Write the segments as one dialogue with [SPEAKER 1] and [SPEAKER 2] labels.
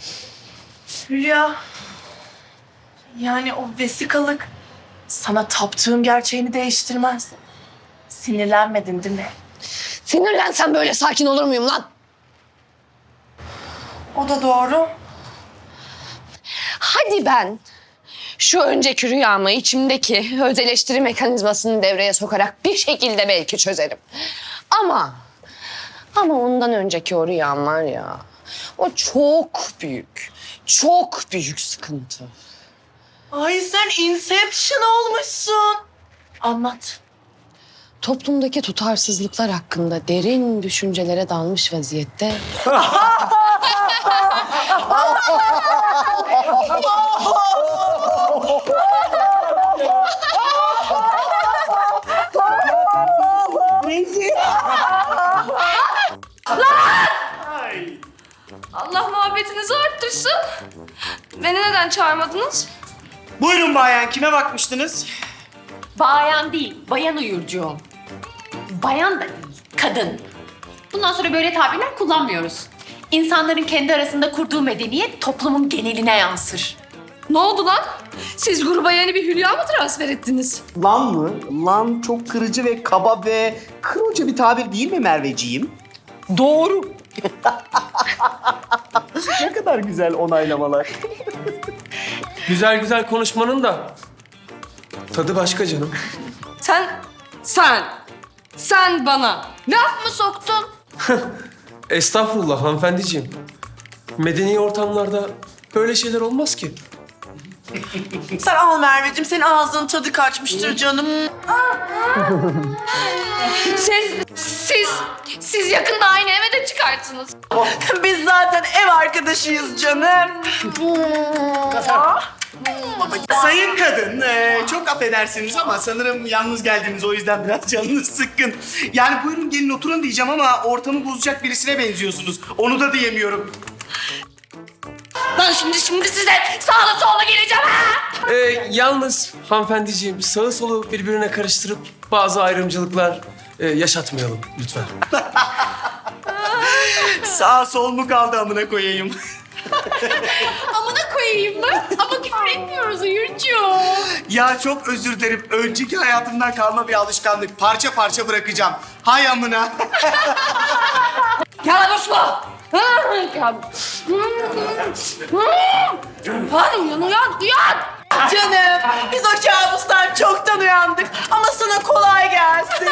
[SPEAKER 1] Hülya. Yani o vesikalık sana taptığım gerçeğini değiştirmez. Sinirlenmedin değil mi?
[SPEAKER 2] Sinirlensen böyle sakin olur muyum lan?
[SPEAKER 1] O da doğru.
[SPEAKER 2] Hadi ben şu önceki rüyamı içimdeki öz eleştiri mekanizmasını devreye sokarak bir şekilde belki çözerim. Ama ondan önceki o rüyam var ya, o çok büyük sıkıntı.
[SPEAKER 1] Ay sen Inception olmuşsun. Anlat.
[SPEAKER 2] Toplumdaki tutarsızlıklar hakkında derin düşüncelere dalmış vaziyette.
[SPEAKER 3] Allah muhabbetinizi arttırsın. Beni neden çağırmadınız?
[SPEAKER 4] Buyurun bayan, kime bakmıştınız?
[SPEAKER 5] Bayan değil, bayan uyurcuğum. Bayan da değil, kadın. Bundan sonra böyle tabirler kullanmıyoruz. İnsanların kendi arasında kurduğu medeniyet toplumun geneline yansır.
[SPEAKER 3] Ne oldu lan? Siz gruba yeni bir Hülya mı transfer ettiniz?
[SPEAKER 4] Lan mı? Lan çok kırıcı ve kaba ve kırıcı bir tabir değil mi Merveciğim? Doğru. Ne kadar güzel onaylamalar.
[SPEAKER 6] Güzel güzel konuşmanın da tadı başka canım.
[SPEAKER 3] Sen bana laf mı soktun?
[SPEAKER 6] Estağfurullah hanımefendiciğim. Medeni ortamlarda böyle şeyler olmaz ki.
[SPEAKER 1] Sen al Merveciğim. Senin ağzının tadı kaçmıştır canım.
[SPEAKER 3] Siz yakında aynı eve de çıkarsınız.
[SPEAKER 1] Biz zaten ev arkadaşıyız canım.
[SPEAKER 4] Sayın kadın, çok affedersiniz ama sanırım yalnız geldiniz, o yüzden biraz canınız sıkkın. Yani buyurun gelin oturun diyeceğim ama ortamı bozacak birisine benziyorsunuz. Onu da diyemiyorum.
[SPEAKER 3] Ben şimdi size sağlı sollu geleceğim ha!
[SPEAKER 6] Yalnız hanımefendiciğim sağı solu birbirine karıştırıp bazı ayrımcılıklar yaşatmayalım lütfen.
[SPEAKER 4] Sağ sol mu kaldı amına koyayım?
[SPEAKER 5] Amına koyayım mı? Ama küfür etmiyoruz uyurcuğum.
[SPEAKER 4] Ya çok özür dilerim. Önceki hayatımdan kalma bir alışkanlık. Parça parça bırakacağım. Hay amına.
[SPEAKER 3] Gel Uslu! Uyan!
[SPEAKER 1] Canım biz o kabustan çoktan uyandık. Ama sana kolay gelsin.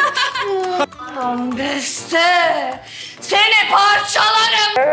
[SPEAKER 3] Beste! Seni parçalarım!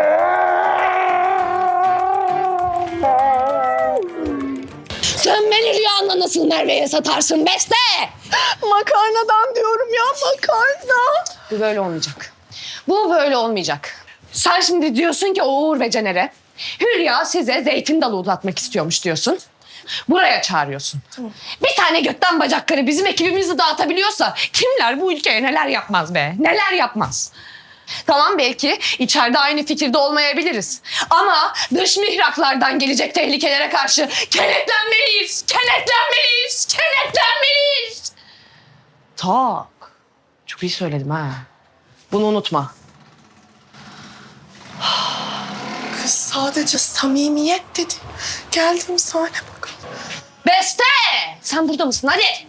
[SPEAKER 2] Sen beni rüyanla nasıl Merve'ye satarsın Beste?
[SPEAKER 1] Makarnadan diyorum ya, makarna.
[SPEAKER 2] Bu böyle olmayacak. Bu böyle olmayacak. Sen şimdi diyorsun ki o Uğur ve Caner'e Hülya size zeytin dalı uzatmak istiyormuş diyorsun. Buraya çağırıyorsun. Bir tane götten bacakları bizim ekibimizi dağıtabiliyorsa kimler bu ülkeye neler yapmaz be? Neler yapmaz? Tamam belki içeride aynı fikirde olmayabiliriz. Ama dış mihraklardan gelecek tehlikelere karşı kenetlenmeliyiz. Kenetlenmeliyiz. Tak. Çok iyi söyledim ha. Bunu unutma.
[SPEAKER 1] Kız sadece samimiyet dedi. Geldim sahne bakalım.
[SPEAKER 2] Beste! Sen burada mısın? Hadi.